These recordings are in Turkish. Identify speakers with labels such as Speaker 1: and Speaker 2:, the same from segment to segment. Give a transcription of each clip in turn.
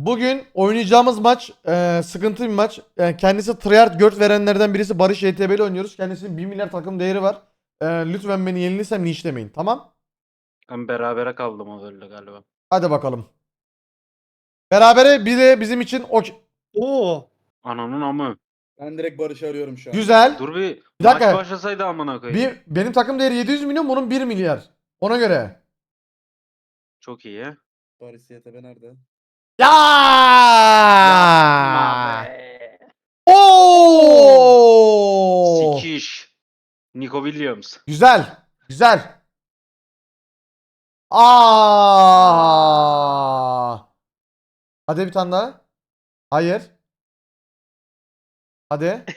Speaker 1: Bugün oynayacağımız maç sıkıntı bir maç. Kendisi tryhard göt verenlerden birisi Barış YTB'li oynuyoruz. Kendisinin 1 milyar takım değeri var. Lütfen beni yenilirsem linçlemeyin. Tamam?
Speaker 2: Ben berabere kaldım o öyle galiba.
Speaker 1: Hadi bakalım. Berabere bir de bizim için
Speaker 3: Oo.
Speaker 2: Ananın amı.
Speaker 3: Ben direkt Barış'ı arıyorum şu an.
Speaker 1: güzel.
Speaker 2: Dur bir
Speaker 1: Bir
Speaker 2: maç
Speaker 1: dakika.
Speaker 2: başlasaydı amına koyayım.
Speaker 1: Benim takım değeri 700 milyon, bunun 1 milyar. Ona göre.
Speaker 2: Çok iyi ya.
Speaker 3: Barış YTB nerede?
Speaker 1: Ya!
Speaker 2: Yapma be.
Speaker 1: Oo!
Speaker 2: Sikiş. Nico Williams.
Speaker 1: Güzel. Güzel. Aa! Hadi bir tane daha. Hayır. Hadi.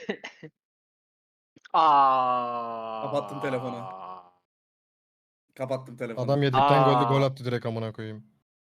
Speaker 3: Kapattım telefonu. Kapattım telefonu.
Speaker 4: Adam yedikten gol attı direkt amına koyayım.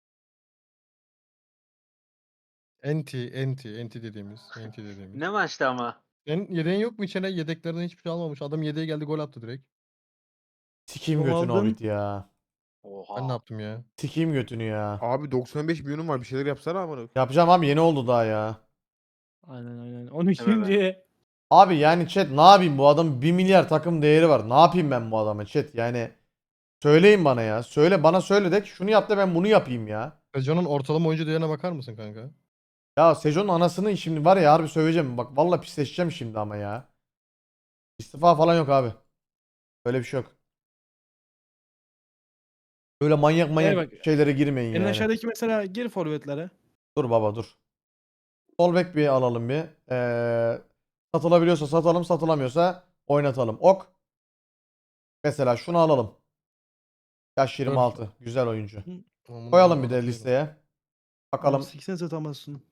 Speaker 4: Enti dediğimiz.
Speaker 2: Ne maçtı ama?
Speaker 4: Yedeğin yok mu içine? Yedeklerden hiçbir şey almamış. Adam yedeğe geldi gol attı direkt.
Speaker 1: Sikeyim
Speaker 3: Kim
Speaker 1: götünü
Speaker 3: aldın?
Speaker 1: Hobbit ya.
Speaker 2: Oha.
Speaker 4: Ben ne yaptım ya?
Speaker 1: Sikeyim götünü ya.
Speaker 5: Abi 95 milyonum var, bir şeyler yapsana amına.
Speaker 1: Yapacağım abi, yeni oldu daha ya.
Speaker 3: Aynen. 12.
Speaker 2: Evet.
Speaker 1: Abi yani chat, ne yapayım, bu adamın 1 milyar takım değeri var. Ne yapayım ben bu adama chat, yani söyleyin bana ya. Söyle de ki şunu yap da ben bunu yapayım ya.
Speaker 4: Sejon'un ortalama oyuncu değerine bakar mısın kanka?
Speaker 1: Ya Sejon'un anasını şimdi var ya, harbi söveceğim. Bak vallahi pisleşeceğim şimdi ama ya. İstifa falan yok abi. Öyle bir şey yok. Böyle manyak
Speaker 6: bak,
Speaker 1: şeylere girmeyin
Speaker 6: En
Speaker 1: yani.
Speaker 6: aşağıdaki mesela gir forvetlere.
Speaker 1: Dur baba dur. Sol bek bir alalım bir. Satılabiliyorsa satalım, satılamıyorsa oynatalım. Ok. Mesela şunu alalım. Yaş 26. Güzel oyuncu.
Speaker 4: Amına
Speaker 1: Koyalım bir de
Speaker 4: koyayım.
Speaker 1: listeye. Bakalım.
Speaker 6: 80 satamazsın.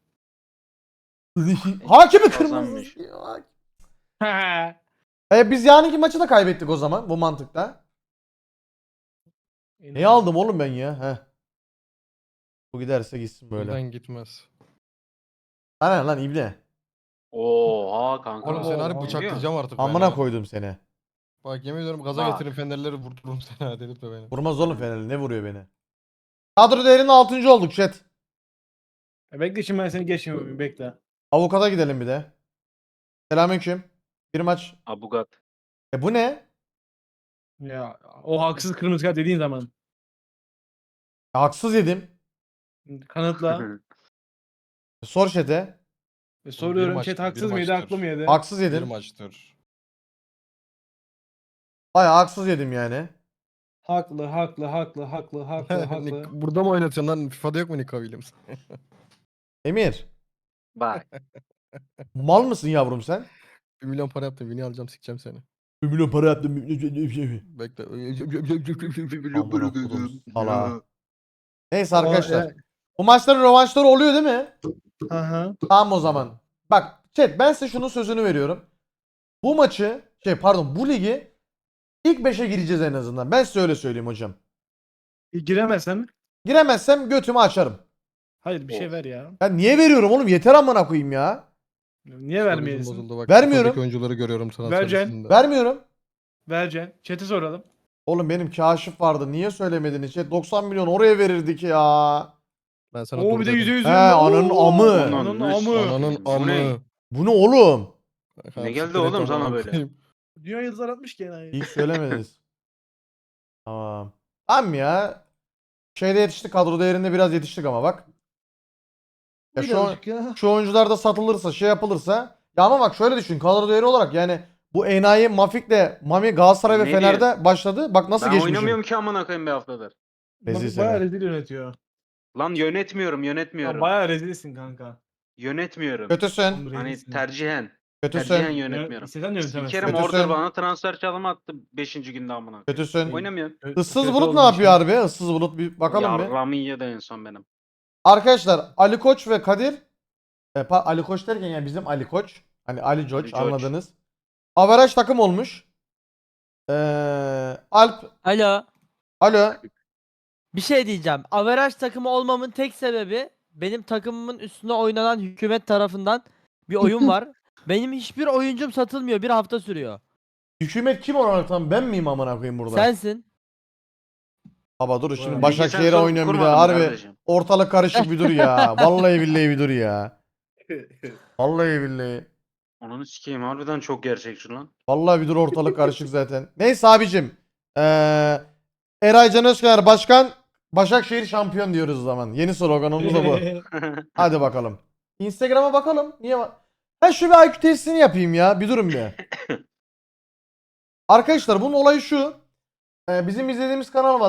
Speaker 1: Hakimi
Speaker 2: Kazanmış.
Speaker 1: kırmızı.
Speaker 6: Ha.
Speaker 1: Biz yarınki maçı da kaybettik o zaman bu mantıkta. Neyi aldım oğlum ben ya? Heh. Bu giderse gitsin böyle.
Speaker 4: Buradan gitmez.
Speaker 1: Ana lan ibne.
Speaker 2: Oha kanka.
Speaker 4: Oğlum seni harbi
Speaker 2: Biliyor
Speaker 4: bıçaklayacağım artık ben
Speaker 1: Amına
Speaker 4: ha.
Speaker 1: koydum seni.
Speaker 4: Bak yemin ediyorum gaza
Speaker 2: Bak.
Speaker 4: getirin fenerleri vurdururum seni ha delirtme beni.
Speaker 1: Vurmaz oğlum Fenerli, ne vuruyor beni? Kadro değerinin 6. olduk chat.
Speaker 6: Bekle şimdi ben seni geçmiyorum bekle.
Speaker 1: Avukata gidelim bir de. Selamünaleyküm. Bir maç.
Speaker 2: Abugat.
Speaker 1: Bu ne?
Speaker 6: Ya o haksız kırmızı kart dediğin zaman.
Speaker 1: Haksız yedim.
Speaker 6: Kanıtla.
Speaker 1: Sor chat'e.
Speaker 6: Soruyorum
Speaker 4: maçtır,
Speaker 6: chat
Speaker 4: bir
Speaker 6: haksız mıydı
Speaker 4: maçtır.
Speaker 6: haklı mıydı?
Speaker 1: Haksız
Speaker 4: Bir
Speaker 1: yedim.
Speaker 4: maçtır.
Speaker 1: Bayağı haksız yedim yani.
Speaker 6: Haklı.
Speaker 4: Burada mı oynatıyorsun lan? FIFA'da yok mu Nico Williams?
Speaker 1: Emir.
Speaker 2: Bak.
Speaker 1: Mal mısın yavrum sen?
Speaker 4: 1 milyon para yaptım. Vini alacağım sikeceğim seni.
Speaker 1: 1 milyon para yaptım.
Speaker 4: Bekle.
Speaker 1: Amına kodum sala. Neyse
Speaker 6: O,
Speaker 1: arkadaşlar. Bu maçların rövanşları oluyor değil mi?
Speaker 6: Hı.
Speaker 1: Tamam o zaman. Bak chat, ben size şunun sözünü veriyorum. Bu maçı bu ligi ilk 5'e gireceğiz en azından. Ben size öyle söyleyeyim hocam.
Speaker 6: Giremezsem.
Speaker 1: Giremezsem götümü açarım.
Speaker 6: Hayır bir şey
Speaker 2: Of.
Speaker 6: ver ya.
Speaker 1: Ben niye veriyorum oğlum? Yeter amına koyayım ya.
Speaker 6: Niye
Speaker 4: Psikolojim
Speaker 6: vermeyesin?
Speaker 4: bozuldu bak.
Speaker 1: Vermiyorum.
Speaker 4: FIFA'daki oyuncuları görüyorum sana
Speaker 6: Vereceksin.
Speaker 4: listesinde.
Speaker 1: Vermiyorum.
Speaker 6: Vereceksin. Chat'e soralım.
Speaker 1: Oğlum benim kaşif vardı. Niye söylemediniz? 90 milyon oraya verirdik ya.
Speaker 4: Ben sana
Speaker 6: Oo
Speaker 4: dur
Speaker 6: bir de
Speaker 4: dedim.
Speaker 6: %100.
Speaker 1: He, ananın amı.
Speaker 6: Ananın amı.
Speaker 4: Ananın
Speaker 2: Bu ne?
Speaker 4: amı.
Speaker 1: Bu ne oğlum?
Speaker 4: Kanka,
Speaker 2: geldi
Speaker 4: siktir
Speaker 2: oğlum
Speaker 4: et
Speaker 2: sana
Speaker 4: amına
Speaker 2: böyle?
Speaker 4: koyayım.
Speaker 6: Dünya yıldızlar atmış ki yani.
Speaker 1: İyi söylemediniz. Tamam. Tamam ya. Şeyde yetiştik. Kadro değerinde biraz yetiştik ama bak. Ya
Speaker 6: Birazcık ya.
Speaker 1: şu oyuncular da satılırsa, şey yapılırsa. Ya ama bak şöyle düşün. Kadro değeri olarak yani bu enayi Mafik'le Mami Galatasaray ve
Speaker 2: Ne
Speaker 1: Fener'de başladı. Bak nasıl
Speaker 2: Ben
Speaker 1: geçmişim.
Speaker 2: oynamıyorum ki amına koyayım bir haftadır.
Speaker 1: Rezil
Speaker 6: Bayağı
Speaker 1: seni.
Speaker 6: rezil yönetiyor.
Speaker 2: Lan yönetmiyorum.
Speaker 6: Ya bayağı rezilsin kanka.
Speaker 2: Yönetmiyorum.
Speaker 1: Kötüsün.
Speaker 6: Oğlum
Speaker 2: Hani
Speaker 6: rezilsin.
Speaker 2: tercihen. Tercihen
Speaker 1: Kötüsün.
Speaker 2: yönetmiyorum.
Speaker 6: İstesen yönetemezsin.
Speaker 2: Sikerim
Speaker 1: Kötüsün.
Speaker 2: order bana transfer çalımı attı 5. günde amına koyayım.
Speaker 1: Kötüsün.
Speaker 2: Oynamıyorum.
Speaker 1: Issız
Speaker 6: Kötü
Speaker 1: Bulut ne
Speaker 6: olduğun
Speaker 1: yapıyor
Speaker 6: için.
Speaker 1: harbi? Issız Bulut bir bakalım bir.
Speaker 2: Yarramı yedi en son benim.
Speaker 1: Arkadaşlar Ali Koç ve Kadir Ali Koç derken yani bizim Ali Koç. Hani Ali Koç
Speaker 2: Koç.
Speaker 1: anladınız. Averaj takım olmuş. Alp.
Speaker 7: Alo.
Speaker 1: Alo.
Speaker 7: Bir şey diyeceğim. Averaj takımı olmamın tek sebebi benim takımımın üstüne oynanan hükümet tarafından bir oyun var. Benim hiçbir oyuncum satılmıyor. Bir hafta sürüyor.
Speaker 1: Hükümet kim olarak, tam ben miyim amına koyayım burada?
Speaker 7: Sensin.
Speaker 1: Baba dur şimdi
Speaker 3: Bilgisayar
Speaker 1: Başakşehir'e
Speaker 2: sorup
Speaker 1: oynuyorum bir
Speaker 2: kurmadım
Speaker 1: daha. Harbi
Speaker 2: kardeşim.
Speaker 1: ortalık karışık bir dur ya. Vallahi billahi bir dur ya. Vallahi billahi.
Speaker 2: Ananı sikeyim harbiden çok gerçekçi lan.
Speaker 1: Vallahi bir dur ortalık karışık zaten. Neyse abicim. Eray Can Özkayar Başkan Başakşehir şampiyon diyoruz o zaman. Yeni sloganımız da bu. Hadi bakalım. Instagram'a bakalım. Niye var? Ben şu bir IQ testini yapayım ya. Bir durun bir. Arkadaşlar bunun olayı şu. Bizim izlediğimiz kanal var.